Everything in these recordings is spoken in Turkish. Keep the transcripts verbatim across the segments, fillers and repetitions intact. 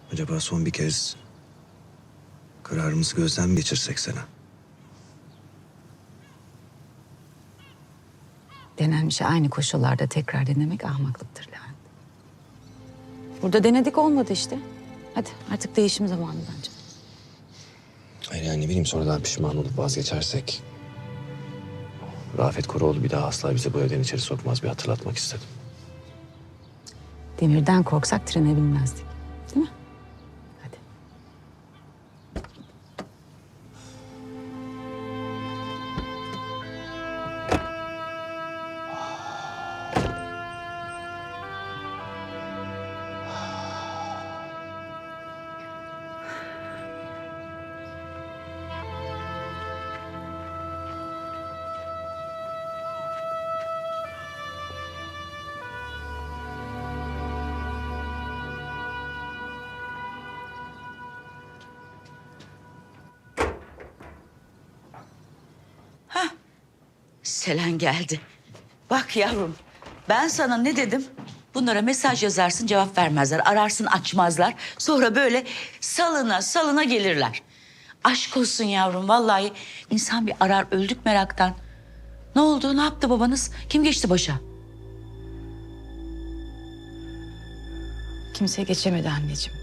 Acaba son bir kez kararımızı gözden mi geçirsek Sena? Denen bir şey aynı koşullarda tekrar denemek ahmaklıktır Levent. Burada denedik olmadı işte. Hadi artık değişim zamanı bence. Hayır yani ne bileyim sonradan pişman olup vazgeçersek... Rafet Koroğlu bir daha asla bizi bu evden içeri sokmaz, bir hatırlatmak istedim. Demirden korksak trene binmezdik. Değil mi? Hadi. Selen geldi. Bak yavrum, ben sana ne dedim? Bunlara mesaj yazarsın, cevap vermezler. Ararsın, açmazlar. Sonra böyle salına salına gelirler. Aşk olsun yavrum, vallahi insan bir arar, öldük meraktan. Ne oldu, ne yaptı babanız? Kim geçti başa? Kimseye geçemedi anneciğim.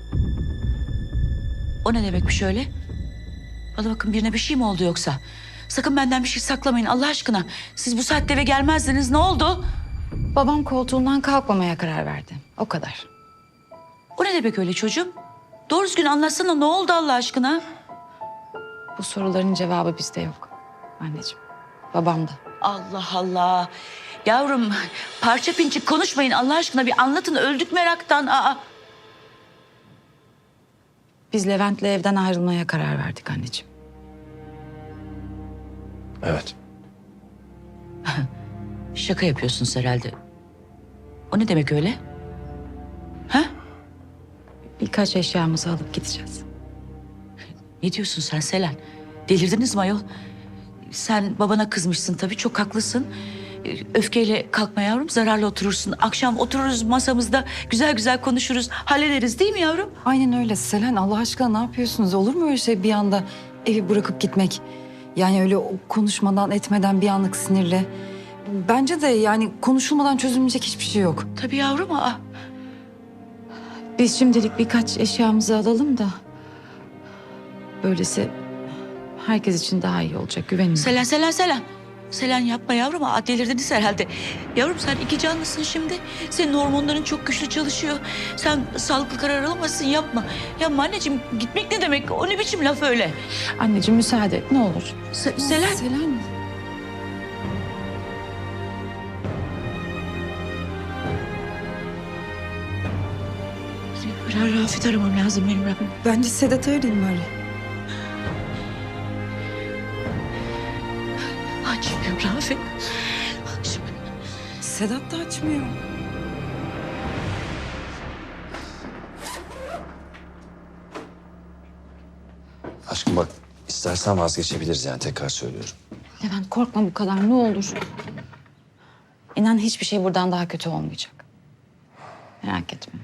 O ne demekmiş öyle? Bana bakın, birine bir şey mi oldu yoksa? Sakın benden bir şey saklamayın Allah aşkına. Siz bu saatte eve gelmezdiniz, ne oldu? Babam koltuğundan kalkmamaya karar verdi. O kadar. O ne demek öyle çocuğum? Doğru düzgün anlatsana, ne oldu Allah aşkına? Bu soruların cevabı bizde yok anneciğim. Babamda. Allah Allah. Yavrum parça pinçik konuşmayın Allah aşkına, bir anlatın, öldük meraktan. Aa. Biz Levent'le evden ayrılmaya karar verdik anneciğim. Evet. Şaka yapıyorsunuz herhalde. O ne demek öyle? Ha? Birkaç eşyamızı alıp gideceğiz. Ne diyorsun sen Selen? Delirdiniz mi ayol? Sen babana kızmışsın tabii, çok haklısın. Öfkeyle kalkma yavrum, zararla oturursun. Akşam otururuz masamızda, güzel güzel konuşuruz, hallederiz değil mi yavrum? Aynen öyle Selen, Allah aşkına ne yapıyorsunuz? Olur mu öyle şey bir anda evi bırakıp gitmek? Yani öyle konuşmadan etmeden bir anlık sinirle. Bence de yani konuşulmadan çözülmeyecek hiçbir şey yok. Tabii yavrum. Aa. Biz şimdilik birkaç eşyamızı alalım da... böylesi herkes için daha iyi olacak, güvenin. Selen, Selen, Selen. Selen yapma yavrum. Aa, delirdiniz herhalde. Yavrum sen iki canlısın şimdi. Senin hormonların çok güçlü çalışıyor. Sen sağlıklı karar alamazsın, yapma. Yapma anneciğim, gitmek ne demek? O ne biçim laf öyle? Anneciğim müsaade et ne olur. Se- Selen. Selen. Ra- Rafet aramam lazım benim Rabbim. Bence Sedat'ı arayayım bari. Açmıyor Rafet. Açmıyor. Sedat da açmıyor. Aşkım bak, istersen vazgeçebiliriz yani, tekrar söylüyorum. Levent korkma bu kadar ne olur. İnan hiçbir şey buradan daha kötü olmayacak. Merak etme.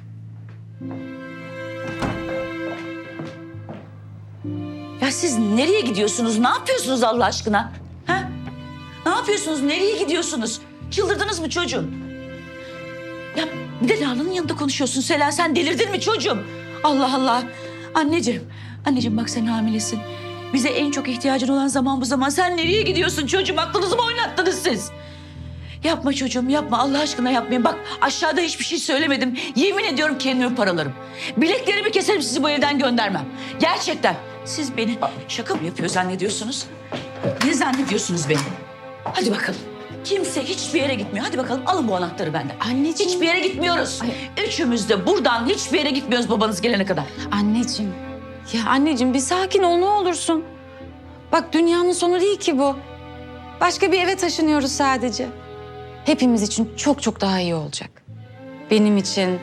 Ya siz nereye gidiyorsunuz? Ne yapıyorsunuz Allah aşkına? Ha? Ne yapıyorsunuz? Nereye gidiyorsunuz? Çıldırdınız mı çocuğum? Ya bir de Lala'nın yanında konuşuyorsun Selen. Sen delirdin mi çocuğum? Allah Allah. Anneciğim, anneciğim bak sen hamilesin. Bize en çok ihtiyacın olan zaman bu zaman. Sen nereye gidiyorsun çocuğum? Aklınızı mı oynattınız siz? Yapma çocuğum, yapma. Allah aşkına yapmayın. Bak aşağıda hiçbir şey söylemedim. Yemin ediyorum kendimi paralarım. Bileklerimi keserim, sizi bu evden göndermem. Gerçekten. Siz beni şaka mı yapıyor zannediyorsunuz? Ne zannediyorsunuz beni? Hadi bakalım. Kimse hiçbir yere gitmiyor. Hadi bakalım alın bu anahtarı benden. Anneciğim. Hiçbir yere gitmiyoruz. Üçümüz de buradan hiçbir yere gitmiyoruz babanız gelene kadar. Anneciğim. Ya anneciğim bir sakin ol ne olursun. Bak dünyanın sonu değil ki bu. Başka bir eve taşınıyoruz sadece. Hepimiz için çok çok daha iyi olacak. Benim için,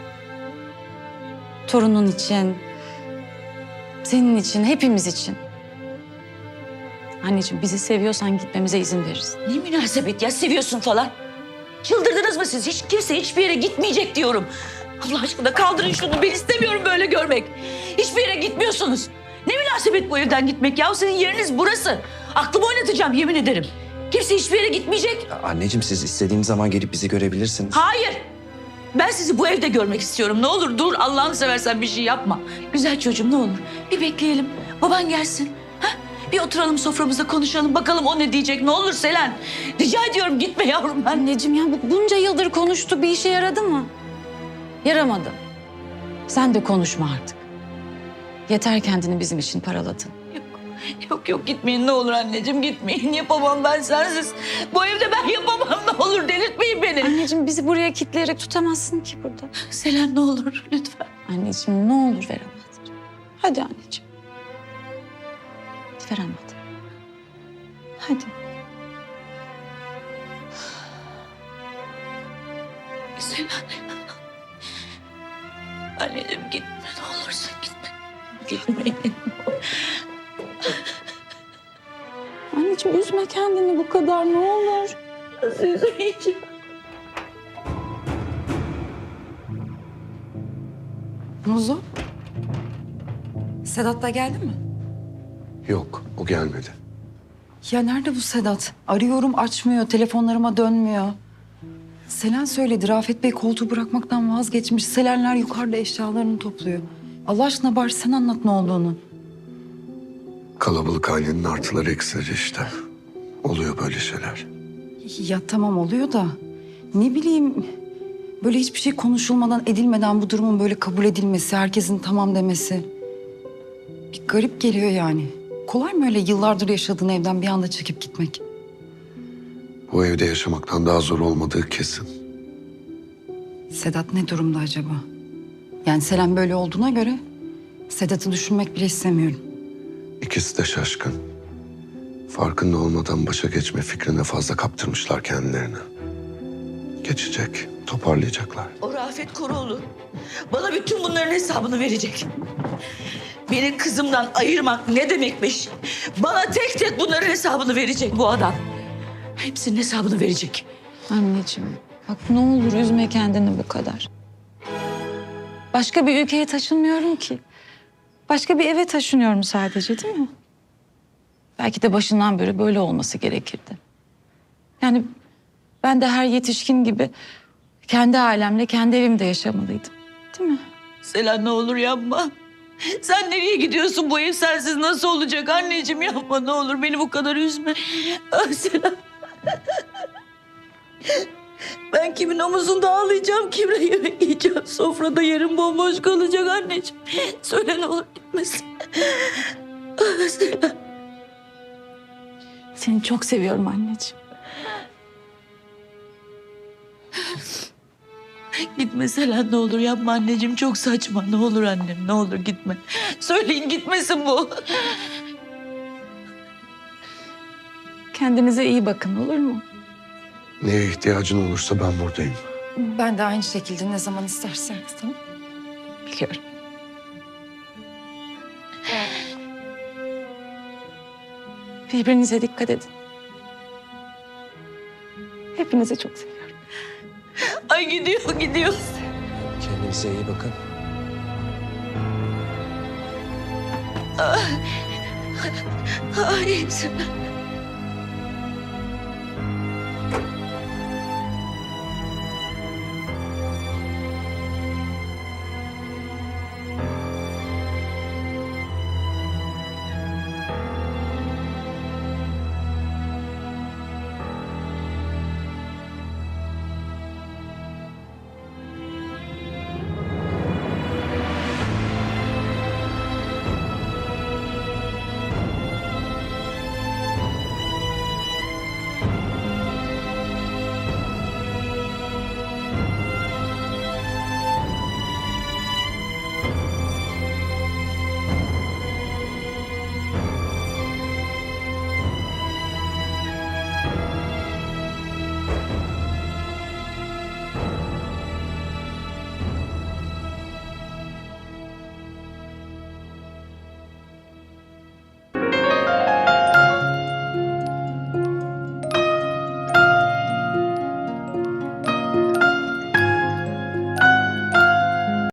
torunun için, senin için, hepimiz için. Anneciğim bizi seviyorsan gitmemize izin veririz. Ne münasebet ya, seviyorsun falan. Çıldırdınız mı siz? Hiç kimse hiçbir yere gitmeyecek diyorum. Allah aşkına kaldırın şunu. Ben istemiyorum böyle görmek. Hiçbir yere gitmiyorsunuz. Ne münasebet bu evden gitmek ya? Senin yeriniz burası. Aklımı oynatacağım yemin ederim. Kimse hiçbir yere gitmeyecek. Anneciğim siz istediğiniz zaman gelip bizi görebilirsiniz. Hayır. Ben sizi bu evde görmek istiyorum. Ne olur dur Allah'ını seversen bir şey yapma. Güzel çocuğum ne olur bir bekleyelim. Baban gelsin. Ha? Bir oturalım soframızda konuşalım. Bakalım o ne diyecek. Ne olur Selen. Rica ediyorum gitme yavrum ben. Anneciğim ya bu bunca yıldır konuştu, bir işe yaradı mı? Yaramadı. Sen de konuşma artık. Yeter kendini bizim için paraladın. Yok yok gitmeyin ne olur anneciğim gitmeyin. Yapamam ben sensiz. Bu evde ben yapamam ne olur delirtmeyin beni. Anneciğim bizi buraya kitleyerek tutamazsın ki burada. Selen ne olur lütfen. Anneciğim ne olur veremez. Hadi anneciğim. Veremedi. Hadi. Selen. Anneciğim gitme ne olursun gitme. Gitmeyin. Anneciğim üzme kendini bu kadar ne olur. Nasıl üzülmeyeceğim? Muzo. Sedat da geldi mi? Yok o gelmedi. Ya nerede bu Sedat? Arıyorum açmıyor, telefonlarıma dönmüyor. Selen söyledi, Rafet Bey koltuğu bırakmaktan vazgeçmiş. Selenler yukarıda eşyalarını topluyor. Allah aşkına bari sen anlat ne olduğunu. Kalabalık ailenin artıları eksileri işte. Oluyor böyle şeyler. Ya tamam oluyor da ne bileyim böyle hiçbir şey konuşulmadan edilmeden bu durumun böyle kabul edilmesi, herkesin tamam demesi. Bir garip geliyor yani. Kolay mı öyle yıllardır yaşadığın evden bir anda çekip gitmek? Bu evde yaşamaktan daha zor olmadığı kesin. Sedat ne durumda acaba? Yani Selen böyle olduğuna göre Sedat'ı düşünmek bile istemiyorum. İkisi de şaşkın. Farkında olmadan başa geçme fikrine fazla kaptırmışlar kendilerini. Geçecek, toparlayacaklar. O Rafet Koroğlu bana bütün bunların hesabını verecek. Beni kızımdan ayırmak ne demekmiş? Bana tek tek bunların hesabını verecek bu adam. Hepsinin hesabını verecek. Anneciğim bak ne olur üzme kendini bu kadar. Başka bir ülkeye taşınmıyorum ki. Başka bir eve taşınıyorum sadece değil mi? Belki de başından beri böyle olması gerekirdi. Yani ben de her yetişkin gibi kendi ailemle kendi evimde yaşamalıydım. Değil mi? Selen ne olur yapma. Sen nereye gidiyorsun? Bu ev sensiz nasıl olacak anneciğim? Yapma ne olur beni bu kadar üzme. Ah Selen. Ben kimin omuzunda ağlayacağım, kimle yemek yiyeceğim? Sofrada yerim bomboş kalacak anneciğim. Söyle ne olur gitmesin. Ah Selen. Seni çok seviyorum anneciğim. Gitme Selen ne olur yapma anneciğim. Çok saçma ne olur annem ne olur gitme. Söyleyin gitmesin bu. Kendinize iyi bakın olur mu? Neye ihtiyacın olursa ben buradayım. Ben de aynı şekilde ne zaman isterseniz tamam. Biliyorum. Birbirinize dikkat edin. Hepinizi çok seviyorum. Ay gidiyor gidiyor. Kendinize iyi bakın. Ay Selen.